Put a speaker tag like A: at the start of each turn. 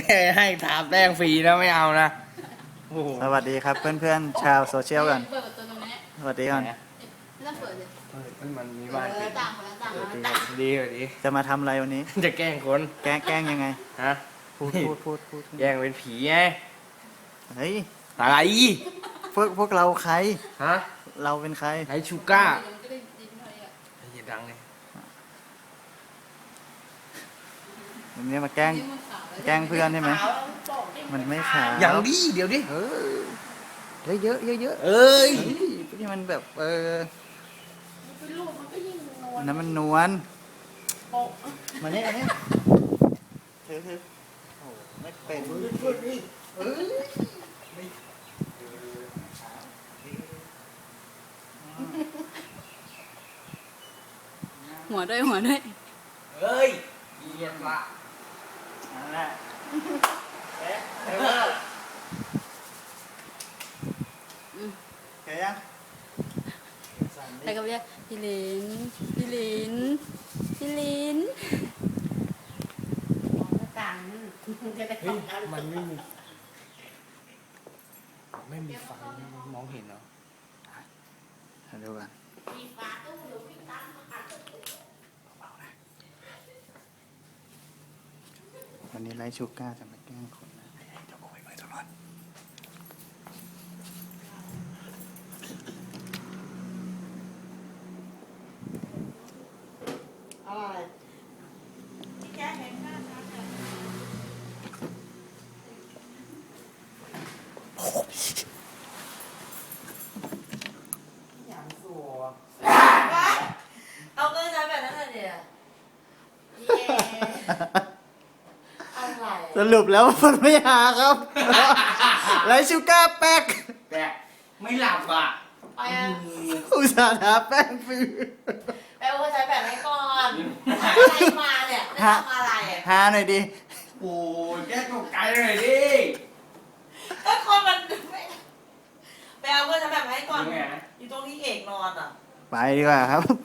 A: ให้ทาแป้งฟรีนะไม่เอานะโอ้โห
B: สวัสดีครับเพื่อนๆชาวโซเชียลกัน
C: เปิดประตูตรงนี้
B: สวัสดีก่อน
C: ไม่ต้องเปิดเลย
A: มันมีบ้านปิด
C: ต่างคนละต่าง
B: สวัสดี
C: ต่าง
A: ดีกว่าดี
B: จะมาทำอะไรวันนี้
A: จะแกล้งคน
B: แกล้งยังไง
A: ฮะ
B: พูด
A: แกล้งเป็นผีไง
B: เฮ้ย
A: อะไร
B: พวกเราใคร
A: ฮะ
B: เราเป็นใคร
A: ไอชูก้า
C: มันก็ได้ยินหน่อยอ่ะ
A: อย่าดังเลย
B: วันนี้มาแกล้ง
C: นี่มันขาวแล้ว
B: แกล้งเพื่อนใช่ไหมมันไม่ขาว
A: อย่างดีเดี๋ยวดิ
B: เออเยอะเยอะ
A: เอ้ย
B: นี่มันแบบ
C: มันเป็นลูกมันก็ยิ่งนวล
B: น้ำมันนวล
C: โปะ
B: มาเนี่ยเธอโอ้ไม่เป็น
C: หัวด้วยหัวด้วย
A: เฮ้ยเยียนละ
B: นั่นแหละเอ๊ะเฮ้ยยัง
C: แล้วก็เรียกพี่ลินพี่ลินพี่ลินต่างจะได้
A: เฮ้ยมันไม่มีไฟมองเห็นเหรอ
B: ดูกันวันนี้ไลฟ์ชูก้าจะมาแกล้งคนนะเดี๋ยวไปตลอด
D: เอาก็ใช้แบบนั้นเลยเดียวอะไร
B: สรุปแล้วมันไม่หาครับ ไลฟ์ชูก้าแป๊ก
A: แต่ไม่หลับอ่ะ
D: ไปอ่ะ
B: อุตส่าห์หาแป้งฟรี
D: ไปเอาก็ใช้แบบนี้ก่อนอะไรมาเนี่ยไม่ทำอะไรอ่ะ
B: หาหน่อยดิ
A: โอ้ยแกตกใจเลยดิ
D: ก็คนมันไม่ไปเอาก็ใช้แบบนี้ก่อน
A: ยังไง
D: อยู่ตรงที่เอกนอนอ่ะ
B: ไปดีกว่าครับ